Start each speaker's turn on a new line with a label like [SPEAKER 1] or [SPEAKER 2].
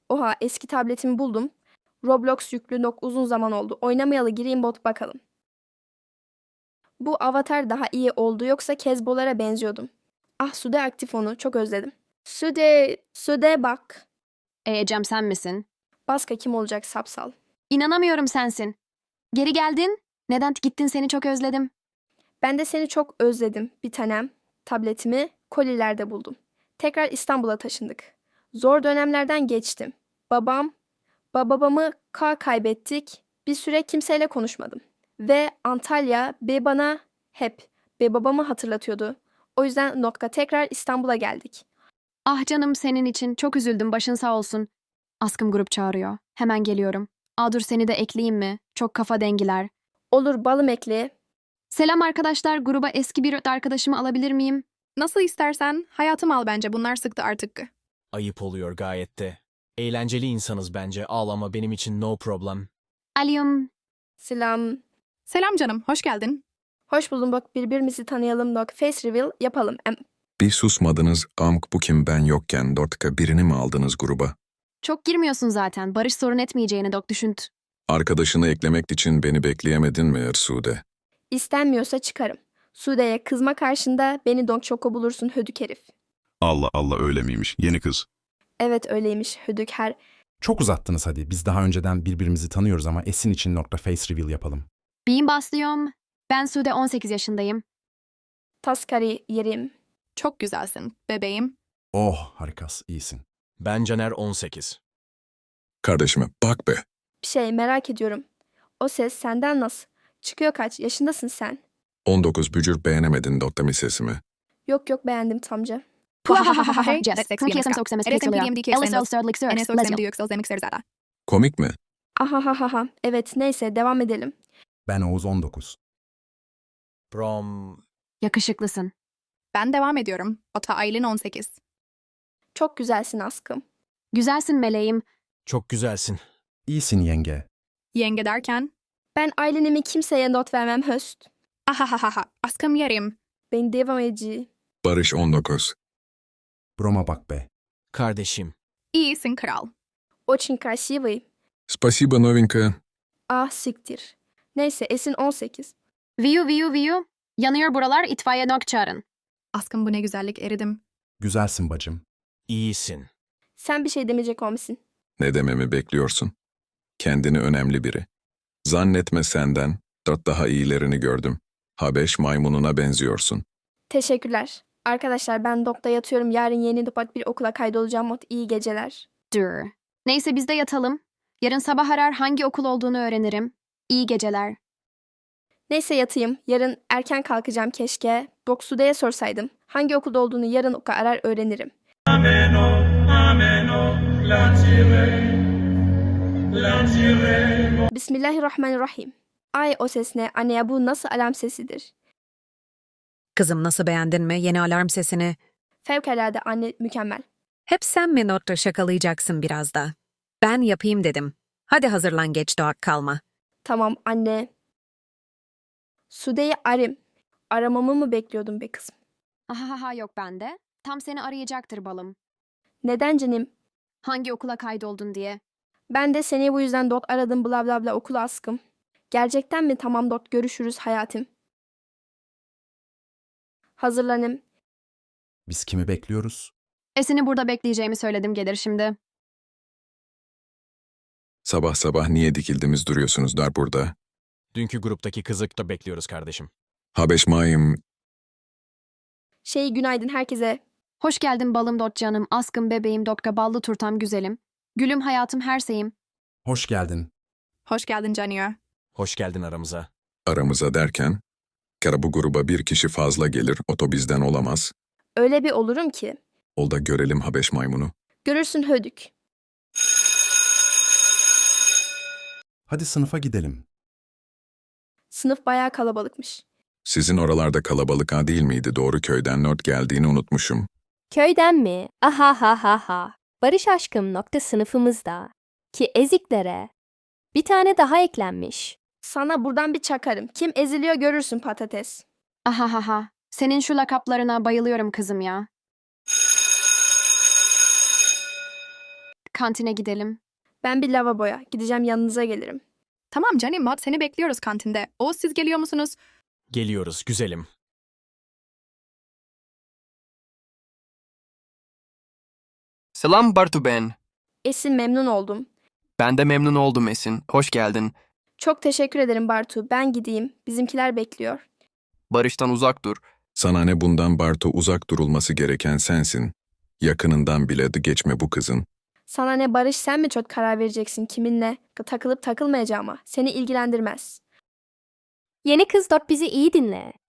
[SPEAKER 1] Oha, eski tabletimi buldum. Roblox yüklü uzun zaman oldu. Oynamayalı gireyim bot bakalım. Bu avatar daha iyi oldu yoksa Kezbolara benziyordum. Ah, Sude aktif, onu çok özledim. Sude bak.
[SPEAKER 2] Ecem sen misin?
[SPEAKER 1] Baska kim olacak, sapsal.
[SPEAKER 2] İnanamıyorum sensin. Geri geldin. Neden gittin, seni çok özledim.
[SPEAKER 1] Ben de seni çok özledim bir tanem. Tabletimi kolilerde buldum. Tekrar İstanbul'a taşındık. Zor dönemlerden geçtim. Babamı kaybettik. Bir süre kimseyle konuşmadım. Ve Antalya bana hep babamı hatırlatıyordu. O yüzden tekrar İstanbul'a geldik.
[SPEAKER 2] Ah canım, senin için çok üzüldüm, başın sağ olsun. Askım grup çağırıyor. Hemen geliyorum. Dur, seni de ekleyeyim mi? Çok kafa dengiler.
[SPEAKER 1] Olur balım, ekle.
[SPEAKER 2] Selam arkadaşlar, gruba eski bir arkadaşımı alabilir miyim?
[SPEAKER 3] Nasıl istersen, hayatım al bence, bunlar sıktı artık.
[SPEAKER 4] Ayıp oluyor gayet de. Eğlenceli insanız bence, ağlama benim için no problem.
[SPEAKER 2] Alyum.
[SPEAKER 1] Selam.
[SPEAKER 3] Selam canım, hoş geldin.
[SPEAKER 1] Hoş buldum, bak birbirimizi tanıyalım. Face reveal yapalım.
[SPEAKER 5] Bir susmadınız, amk bu kim ben yokken Dortka birini mi aldınız gruba?
[SPEAKER 2] Çok girmiyorsun zaten. Barış sorun etmeyeceğini düşünt.
[SPEAKER 5] Arkadaşını eklemek için beni bekleyemedin mi Ersude?
[SPEAKER 1] İstenmiyorsa çıkarım. Sude'ye kızma karşında beni Çoko bulursun hödük herif.
[SPEAKER 6] Allah Allah, öyle miymiş? Yeni kız.
[SPEAKER 1] Evet öyleymiş hödük her.
[SPEAKER 7] Çok uzattınız hadi. Biz daha önceden birbirimizi tanıyoruz ama Esin için face reveal yapalım.
[SPEAKER 2] Bean baslıyorum. Ben Sude, 18 yaşındayım.
[SPEAKER 1] Taskari yerim.
[SPEAKER 3] Çok güzelsin, bebeğim.
[SPEAKER 7] Oh, harikas, iyisin.
[SPEAKER 4] Ben Caner 18.
[SPEAKER 5] Kardeşime bak be.
[SPEAKER 1] Bir şey merak ediyorum. O ses senden nasıl? Çıkıyor, kaç yaşındasın sen?
[SPEAKER 5] 19 bücür beğenemedin Dortka sesimi.
[SPEAKER 1] Yok beğendim tamca.
[SPEAKER 2] Jess. Kırkiyasım soksamız
[SPEAKER 3] Eres
[SPEAKER 2] kırkılıyor.
[SPEAKER 3] MPDMD
[SPEAKER 2] Ellis Elsterdlik Sir.
[SPEAKER 3] Enes
[SPEAKER 2] Leslie.
[SPEAKER 3] Özlem Duyuksal Zemik Serzada.
[SPEAKER 5] Komik mi?
[SPEAKER 1] Ahahaha. Evet neyse devam edelim.
[SPEAKER 7] Ben Oğuz 19.
[SPEAKER 4] Brom...
[SPEAKER 2] Yakışıklısın.
[SPEAKER 3] Ben devam ediyorum. Ota Aylin 18.
[SPEAKER 1] Çok güzelsin askım.
[SPEAKER 2] Güzelsin meleğim.
[SPEAKER 4] Çok güzelsin.
[SPEAKER 7] İyisin yenge.
[SPEAKER 3] Yenge derken,
[SPEAKER 1] Ben Aylin'imi kimseye not vermem höst.
[SPEAKER 3] ahahaha, askım yerim.
[SPEAKER 1] Ben devam edici.
[SPEAKER 5] Barış 19.
[SPEAKER 7] Broma bak be.
[SPEAKER 4] Kardeşim.
[SPEAKER 3] İyisin kral.
[SPEAKER 1] Очень красивый.
[SPEAKER 5] Spasiba novinka.
[SPEAKER 1] Ah siktir. Neyse Esin 18.
[SPEAKER 2] Viyu. Yanıyor buralar, itfaiye çağırın.
[SPEAKER 3] Askım bu ne güzellik, eridim.
[SPEAKER 7] Güzelsin bacım.
[SPEAKER 4] İyisin.
[SPEAKER 1] Sen bir şey demeyecek olmuşsun.
[SPEAKER 5] Ne dememi bekliyorsun? Kendini önemli biri. Zannetme senden, dört daha iyilerini gördüm. Habeş maymununa benziyorsun.
[SPEAKER 1] Teşekkürler. Arkadaşlar ben dokta yatıyorum. Yarın yeni bir okula kaydolacağım. İyi geceler.
[SPEAKER 2] Dur. Neyse biz de yatalım. Yarın sabah arar, hangi okul olduğunu öğrenirim. İyi geceler.
[SPEAKER 1] Neyse yatayım. Yarın erken kalkacağım keşke. Sude'ye sorsaydım. Hangi okulda olduğunu yarın arar öğrenirim. Bismillahirrahmanirrahim. Ay o ses ne? Anne ya, bu nasıl alarm sesidir?
[SPEAKER 8] Kızım, nasıl, beğendin mi yeni alarm sesini?
[SPEAKER 1] Fevkalade anne, mükemmel.
[SPEAKER 8] Hep sen mi notta şakalayacaksın biraz da? Ben yapayım dedim. Hadi hazırlan, geç doğak kalma.
[SPEAKER 1] Tamam anne. Sude'yi arayayım. Aramamı mı bekliyordun be kızım?
[SPEAKER 2] Ahaha, yok bende. Tam seni arayacaktır balım.
[SPEAKER 1] Neden canım?
[SPEAKER 2] Hangi okula kaydoldun diye.
[SPEAKER 1] Ben de seni bu yüzden aradım bla bla bla okula askım. Gerçekten mi? Tamam görüşürüz hayatım. Hazırlanım.
[SPEAKER 7] Biz kimi bekliyoruz?
[SPEAKER 2] Esin'i burada bekleyeceğimi söyledim, gelir şimdi.
[SPEAKER 5] Sabah sabah niye dikildiniz duruyorsunuz dar burada?
[SPEAKER 4] Dünkü gruptaki kızı da bekliyoruz kardeşim.
[SPEAKER 5] Habeş mayım.
[SPEAKER 1] Günaydın herkese.
[SPEAKER 2] Hoş geldin balım canım, askım bebeğim ballı turtam güzelim. Gülüm hayatım her şeyim.
[SPEAKER 7] Hoş geldin.
[SPEAKER 3] Hoş geldin Caniyor.
[SPEAKER 4] Hoş geldin aramıza.
[SPEAKER 5] Aramıza derken, kara bu gruba bir kişi fazla gelir, oto bizden olamaz.
[SPEAKER 1] Öyle bir olurum ki.
[SPEAKER 5] Ol da görelim Habeş maymunu.
[SPEAKER 1] Görürsün hödük.
[SPEAKER 7] Hadi sınıfa gidelim.
[SPEAKER 1] Sınıf bayağı kalabalıkmış.
[SPEAKER 5] Sizin oralarda kalabalık ha değil miydi? Doğru köyden not geldiğini unutmuşum.
[SPEAKER 9] Köyden mi? Ahahaha. Barış aşkım sınıfımızda. Ki eziklere. Bir tane daha eklenmiş.
[SPEAKER 1] Sana buradan bir çakarım. Kim eziliyor görürsün patates.
[SPEAKER 2] Ahahaha. Senin şu lakaplarına bayılıyorum kızım ya. kantine gidelim.
[SPEAKER 1] Ben bir lavaboya. Gideceğim, yanınıza gelirim.
[SPEAKER 3] Tamam canım Mod, seni bekliyoruz kantinde. Oğuz, siz geliyor musunuz?
[SPEAKER 4] Geliyoruz güzelim.
[SPEAKER 10] Selam Bartu ben.
[SPEAKER 1] Esin, memnun oldum.
[SPEAKER 10] Ben de memnun oldum Esin. Hoş geldin.
[SPEAKER 1] Çok teşekkür ederim Bartu. Ben gideyim. Bizimkiler bekliyor.
[SPEAKER 10] Barış'tan uzak dur.
[SPEAKER 5] Sana ne bundan Bartu, uzak durulması gereken sensin. Yakınından bile geçme bu kızın.
[SPEAKER 1] Sana ne Barış, sen mi çok karar vereceksin kiminle takılıp takılmayacağıma? Seni ilgilendirmez.
[SPEAKER 9] Yeni kız 4 bizi iyi dinle.